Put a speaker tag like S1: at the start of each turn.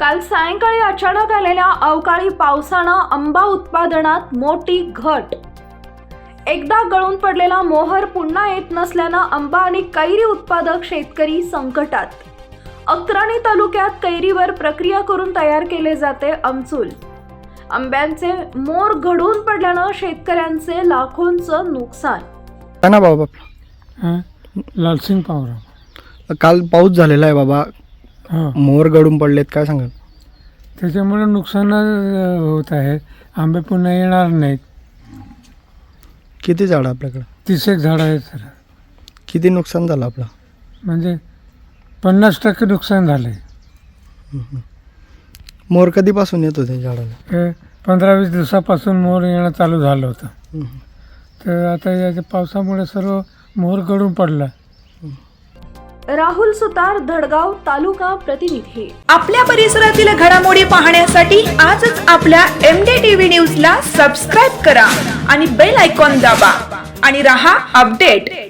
S1: काल सायंकाळी अचानक आलेल्या अवकाळी पावसानं आंबा उत्पादनात मोठी घट. एकदा गळून पडलेला मोहर पुन्हा येत नसल्यानं आंबा आणि कैरी उत्पादक शेतकरी संकटात. अक्राणी तालुक्यात कैरीवर प्रक्रिया करून तयार केले जाते आमचूल. आंब्यांचे मोर घडून पडल्यानं शेतकऱ्यांचे लाखोंचं नुकसान.
S2: काय ना बाबा आपलं?
S3: लालसिंग पावरा.
S2: काल पाऊस झालेला आहे बाबा,
S3: हां,
S2: मोर गळून पडलेत, काय सांगाल?
S3: त्याच्यामुळे नुकसान होत आहे. आंबे पुन्हा येणार नाहीत.
S2: किती झाडं आपल्याकडं?
S3: 30 एक झाडं आहेत सर.
S2: किती नुकसान झालं आपलं?
S3: म्हणजे 50% नुकसान झालं आहे.
S2: मोर कधीपासून येत होते झाडाला?
S3: हे 15-20 दिवसापासून मोर येणं चालू झालं होतं. तर आता याच्या पावसामुळे सर्व मोर गळून पडला.
S1: राहुल सुतार, धडगाव तालुका प्रतिनिधी.
S4: आपल्या परिसरातील घडामोडी पाहण्यासाठी आजच आपल्या MDTV न्यूजला सबस्क्राईब करा आणि बेल आयकॉन दाबा आणि रहा अपडेट.